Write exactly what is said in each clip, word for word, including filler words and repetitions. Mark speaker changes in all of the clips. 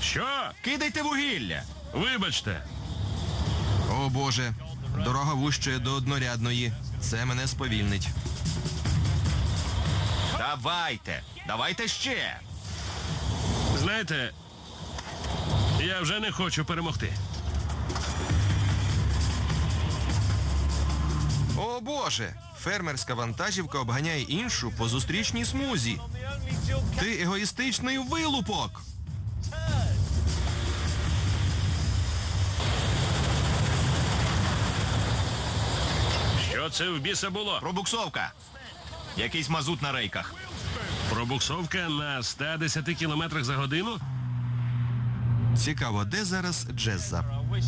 Speaker 1: Що?
Speaker 2: Кидайте вугілля!
Speaker 1: Вибачте.
Speaker 3: О боже, дорога вущає до однорядної. Це мене сповільнить.
Speaker 2: Давайте! Давайте ще!
Speaker 1: Знаєте, я вже не хочу перемогти.
Speaker 3: О боже, фермерська вантажівка обганяє іншу по зустрічній смузі. Ти егоїстичний вилупок!
Speaker 1: Що це в біса було?
Speaker 2: Пробуксовка! Якийсь мазут на рейках.
Speaker 1: Пробуксовка на ста десяти кілометрах за годину?
Speaker 3: Цікаво, де зараз Джезза?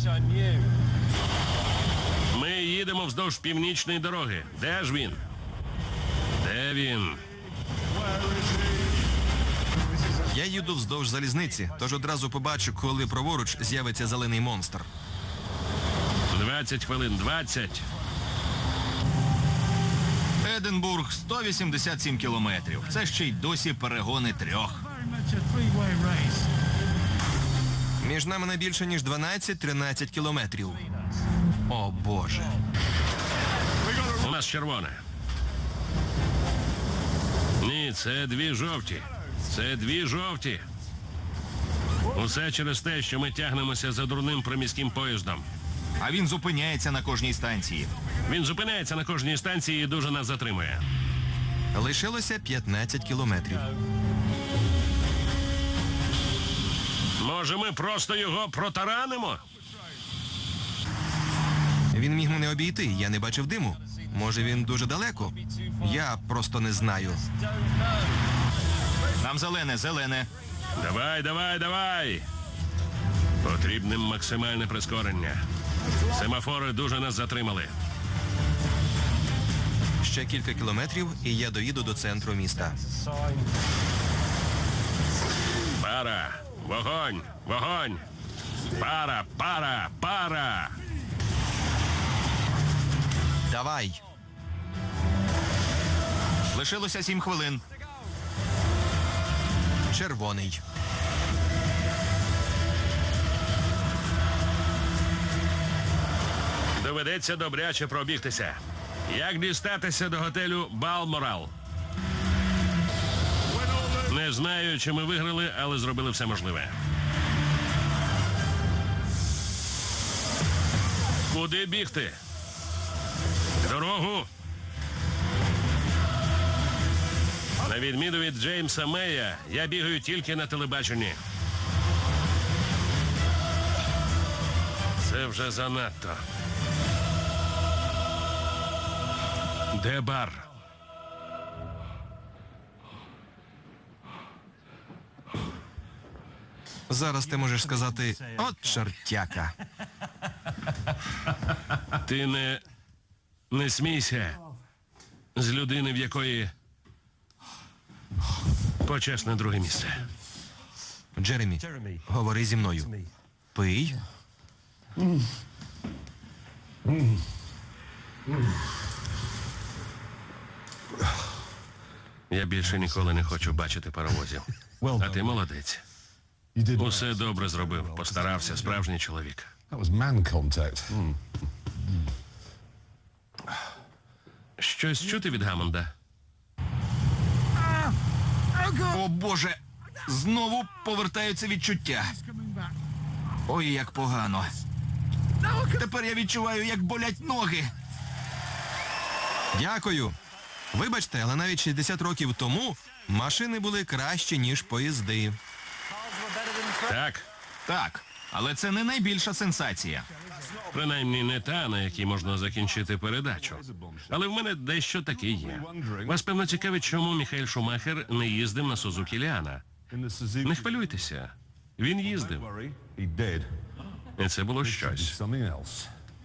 Speaker 1: Ми їдемо вздовж північної дороги. Де ж він? Де він?
Speaker 3: Я їду вздовж залізниці, тож одразу побачу, коли праворуч з'явиться зелений монстр.
Speaker 1: двадцять хвилин, двадцять.
Speaker 2: Единбург сто вісімдесят сім кілометрів. Це ще й досі перегони трьох.
Speaker 3: Між нами не більше, ніж дванадцять-тринадцять кілометрів. О боже.
Speaker 1: У нас червоне. Ні, це дві жовті. Це дві жовті. Усе через те, що ми тягнемося за дурним приміським поїздом.
Speaker 2: А він зупиняється на кожній станції.
Speaker 1: Він зупиняється на кожній станції і дуже нас затримує.
Speaker 3: Лишилося п'ятнадцять кілометрів.
Speaker 1: Може, ми просто його протаранимо?
Speaker 3: Він міг мене обійти, я не бачив диму. Може, він дуже далеко? Я просто не знаю.
Speaker 2: Нам зелене, зелене.
Speaker 1: Давай, давай, давай! Потрібне максимальне прискорення. Семафори дуже нас затримали.
Speaker 3: Ще кілька кілометрів, і я доїду до центру міста.
Speaker 1: Пара! Вогонь! Вогонь! Пара! Пара! Пара!
Speaker 3: Давай!
Speaker 2: Лишилося сім хвилин.
Speaker 3: Червоний.
Speaker 1: Доведеться добряче пробігтися. Як дістатися до готелю Балморал? Не знаю, чи ми виграли, але зробили все можливе. Куди бігти? Дорогу! На відміну від Джеймса Мея, я бігаю тільки на телебаченні. Це вже занадто. Де бар?
Speaker 3: Зараз ти можеш сказати «От чортяка».
Speaker 1: Ти не... не смійся з людини, в якої почесне друге місце.
Speaker 3: Джеремі, говори зі мною. Пий.
Speaker 1: Я більше ніколи не хочу бачити паровозів. А ти молодець. Усе добре зробив. Постарався, справжній чоловік.
Speaker 4: That was man contact.
Speaker 1: Щось чути від Гаммонда?
Speaker 2: О боже! Знову повертаються відчуття. Ой, як погано. Тепер я відчуваю, як болять ноги.
Speaker 3: Дякую. Вибачте, але навіть шістдесят років тому машини були кращі, ніж поїзди.
Speaker 1: Так.
Speaker 2: Так, але це не найбільша сенсація.
Speaker 1: Принаймні не та, на якій можна закінчити передачу. Але в мене дещо таке є. Вас, певно, цікавить, чому Міхаель Шумахер не їздив на Сузукі Ліана. Не хвилюйтеся. Він їздив.
Speaker 4: He did.
Speaker 1: І це було щось.
Speaker 4: Something else.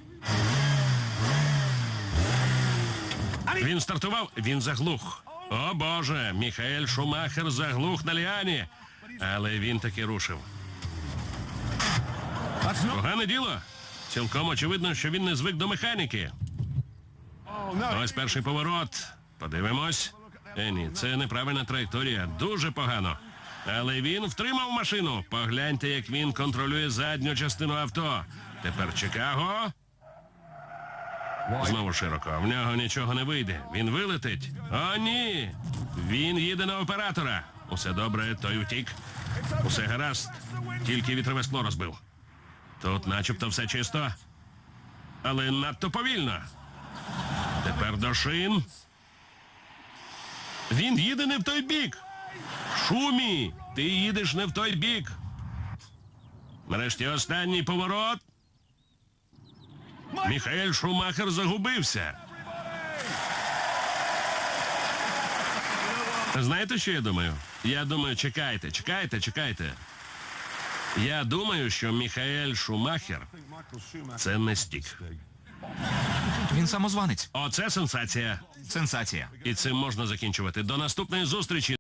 Speaker 1: Він стартував, він заглух. О боже, Міхаель Шумахер заглух на Ліані. Але він таки рушив. Погане діло. Цілком очевидно, що він не звик до механіки. Ось перший поворот. Подивимось. Е, ні, це неправильна траєкторія. Дуже погано. Але він втримав машину. Погляньте, як він контролює задню частину авто. Тепер Чикаго. Знову широко. В нього нічого не вийде. Він вилетить. О, ні. Він їде на оператора. Усе добре, той утік. Усе гаразд. Тільки вітрове скло розбив. Тут начебто все чисто. Але надто повільно. Тепер до шин. Він їде не в той бік. Шумі, ти їдеш не в той бік. Нарешті останній поворот. Міхаель Шумахер загубився. Знаєте, що я думаю? Я думаю, чекайте, чекайте, чекайте. Я думаю, що Міхаель Шумахер – це не стік.
Speaker 2: Він самозванець.
Speaker 1: Оце сенсація.
Speaker 2: Сенсація.
Speaker 1: І цим можна закінчувати. До наступної зустрічі.